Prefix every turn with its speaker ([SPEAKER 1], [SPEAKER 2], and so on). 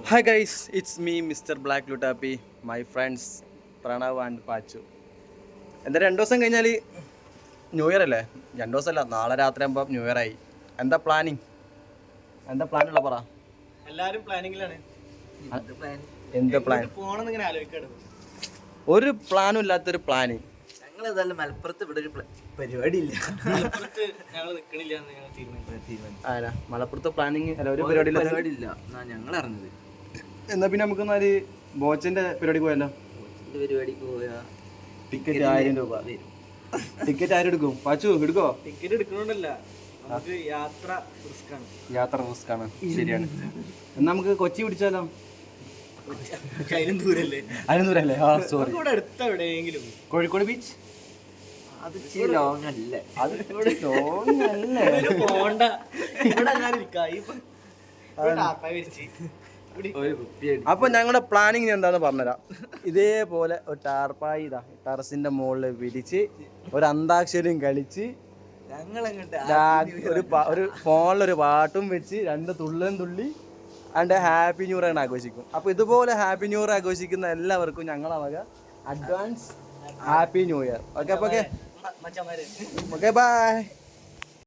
[SPEAKER 1] Hi guys, it's me Mr. Black Lutapi, my friends Pranav and Pachu. എന്താ 2 ദിവസം കഴിഞ്ഞാൽ new year അല്ലേ? 2 ദിവസമല്ല, നാളെ രാത്രി ആകുമ്പോൾ ന്യൂ ഇയർ ആയി. എന്താ പ്ലാനിങ്? എന്താ പ്ലാനുള്ള പറ?
[SPEAKER 2] എല്ലാരും പ്ലാനിങ്ങിലാണ്.
[SPEAKER 1] എന്ത് പ്ലാൻ?
[SPEAKER 2] പോണെന്ന് ഇങ്ങനെ ആലോചിക്കാണ്.
[SPEAKER 1] ഒരു പ്ലാനും ഇല്ലാത്തൊരു പ്ലാനിങ്.
[SPEAKER 3] ഞങ്ങൾ ഏതായാലും മലപ്പുറത്ത് ഇവിടെ ഒരു പരിപാടി ഇല്ല.
[SPEAKER 2] ഞങ്ങൾ നിക്കണില്ല എന്ന് ഞങ്ങൾ തീരുമാനിച്ചു.
[SPEAKER 1] മലപ്പുറത്ത് പ്ലാനിങ് അല്ല, ഒരു
[SPEAKER 3] പരിപാടി ഇല്ല ഞങ്ങൾ അറിഞ്ഞത്.
[SPEAKER 1] എന്നാ പിന്നെ നമുക്കൊന്നാല് ബോച്ചിന്റെ പരിപാടിക്ക് പോയല്ലോ.
[SPEAKER 3] പരിപാടിക്ക് പോയാ
[SPEAKER 1] ടിക്കറ്റ് 1000 രൂപ. ടിക്കറ്റ് ആരും എടുക്കും? പാച്ചു എടുക്കോ?
[SPEAKER 2] ടിക്കറ്റ് എടുക്കണോണ്ടല്ല, നമുക്ക് യാത്ര
[SPEAKER 1] റിസ്ക് ആണ്. ശരിയാണ്. എന്നാ നമുക്ക് കൊച്ചി പിടിച്ചാലോ?
[SPEAKER 2] അതിനും ദൂരല്ലേ?
[SPEAKER 1] അതിനും ദൂരല്ലേ? സോറി,
[SPEAKER 2] ഇവിടെ അടുത്ത എവിടെയെങ്കിലും.
[SPEAKER 1] കോഴിക്കോട് ബീച്ച്
[SPEAKER 3] അത് ലോങ് അല്ലേ?
[SPEAKER 1] അത് ലോങ് അല്ലേ?
[SPEAKER 2] പോണ്ട, ഇവിടെ ഞാൻ
[SPEAKER 1] അപ്പൊ ഞങ്ങളുടെ പ്ലാനിങ് എന്താന്ന് പറഞ്ഞുതരാം. ഇതേപോലെ ഒരു ടാർപ്പായി ടെറസിന്റെ മുകളിൽ വിരിച്ച് ഒരു അന്താക്ഷരിയും കളിച്ച് ഒരു ഫോണിലൊരു പാട്ടും വെച്ച് 2 തുള്ളും തുള്ളി അതിന്റെ ഹാപ്പി ന്യൂ ഇയർ ആഘോഷിക്കും. അപ്പൊ ഇതുപോലെ ഹാപ്പി ന്യൂ ഇയർ ആഘോഷിക്കുന്ന എല്ലാവർക്കും ഞങ്ങളെ വക advance happy new year. Okay, by.